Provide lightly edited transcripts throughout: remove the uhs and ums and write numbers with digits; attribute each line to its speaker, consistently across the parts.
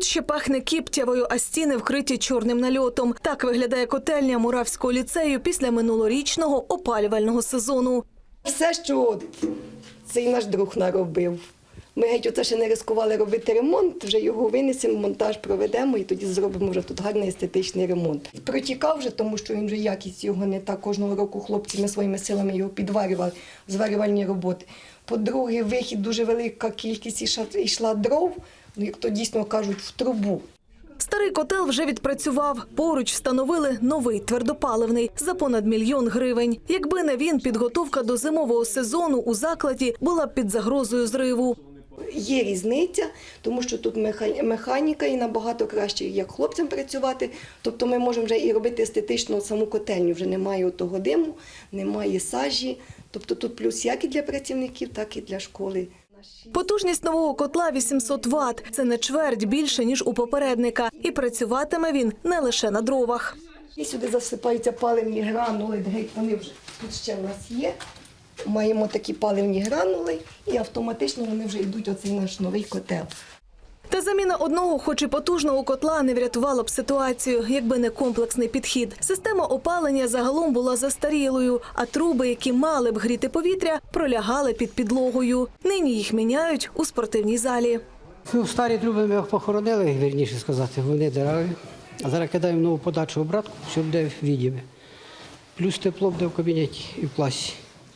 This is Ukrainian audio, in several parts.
Speaker 1: ще пахне кіптявою, а стіни вкриті чорним нальотом. Так виглядає котельня Муравського ліцею після минулорічного опалювального сезону.
Speaker 2: Все, що цей наш друг наробив. Ми геть оце ще не ризикували робити ремонт, вже його винесемо, монтаж проведемо і тоді зробимо вже тут гарний естетичний ремонт. Протікав вже, тому що він вже якість його не так. Кожного року хлопці своїми силами його підварювали, зварювальні роботи. По-друге, вихід дуже велика кількість йшла дров, як то дійсно кажуть, в трубу.
Speaker 1: Старий котел вже відпрацював. Поруч встановили новий твердопаливний за понад 1 мільйон гривень. Якби не він, підготовка до зимового сезону у закладі була б під загрозою зриву.
Speaker 2: Є різниця, тому що тут механіка і набагато краще, як хлопцям працювати. Тобто ми можемо вже і робити естетично саму котельню. Вже немає того диму, немає сажі. Тобто тут плюс як і для працівників, так і для школи.
Speaker 1: Потужність нового котла – 800 Вт. Це на чверть більше, ніж у попередника. І працюватиме він не лише на дровах.
Speaker 2: І сюди засипаються паливні гранули, вони вже тут ще в нас є. Маємо такі паливні гранули і автоматично вони вже йдуть оцей наш новий котел.
Speaker 1: Та заміна одного, хоч і потужного котла, не врятувала б ситуацію, якби не комплексний підхід. Система опалення загалом була застарілою, а труби, які мали б гріти повітря, пролягали під підлогою. Нині їх міняють у спортивній залі.
Speaker 3: Старі труби ми їх похоронили, вірніше сказати, вони дереві. А зараз кидаємо нову подачу обратку, все буде відіме. Плюс тепло буде в кабінеті і в класі.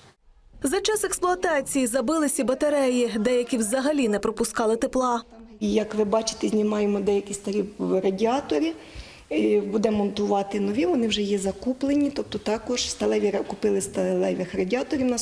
Speaker 1: За час експлуатації забилися батареї, деякі взагалі не пропускали тепла.
Speaker 2: І, як ви бачите, знімаємо деякі старі радіатори, будемо монтувати нові, вони вже є закуплені, тобто також купили сталевих радіаторів на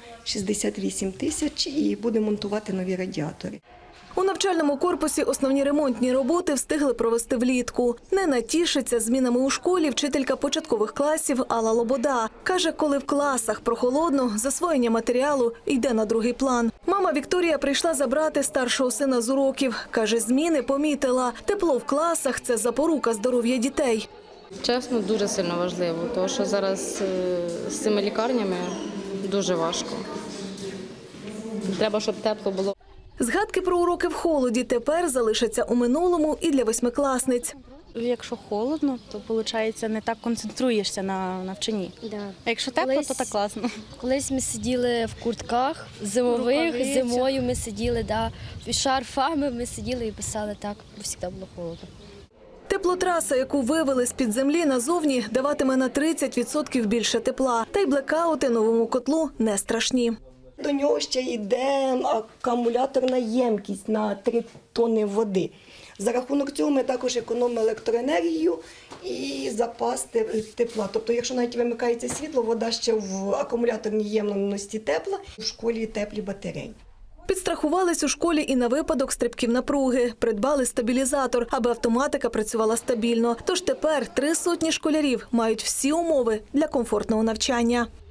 Speaker 2: 168 тисяч і будемо монтувати нові радіатори.
Speaker 1: У навчальному корпусі основні ремонтні роботи встигли провести влітку. Не натішиться змінами у школі вчителька початкових класів Алла Лобода. Каже, коли в класах прохолодно, засвоєння матеріалу йде на другий план. Мама Вікторія прийшла забрати старшого сина з уроків. Каже, зміни помітила. Тепло в класах – це запорука здоров'я дітей.
Speaker 4: Чесно, дуже сильно важливо, тому що зараз з цими лікарнями дуже важко. Треба, щоб тепло було.
Speaker 1: Згадки про уроки в холоді тепер залишаться у минулому і для восьмикласниць.
Speaker 5: Якщо холодно, то, виходить, не так концентруєшся на навчанні. Да. А якщо тепло, то так класно.
Speaker 6: Колись ми сиділи в куртках зимових, зимою ми сиділи, шарфами ми сиділи і писали так, бо завжди було холодно.
Speaker 1: Теплотраса, яку вивели з-під землі назовні, даватиме на 30% більше тепла. Та й блекаути новому котлу не страшні.
Speaker 2: До нього ще йде акумуляторна ємкість на 3 тонни води. За рахунок цього ми також економимо електроенергію і запас тепла. Тобто, якщо навіть вимикається світло, вода ще в акумуляторній ємності тепла, в школі теплі батареї.
Speaker 1: Підстрахувались у школі і на випадок стрибків напруги. Придбали стабілізатор, аби автоматика працювала стабільно. Тож тепер 300 школярів мають всі умови для комфортного навчання.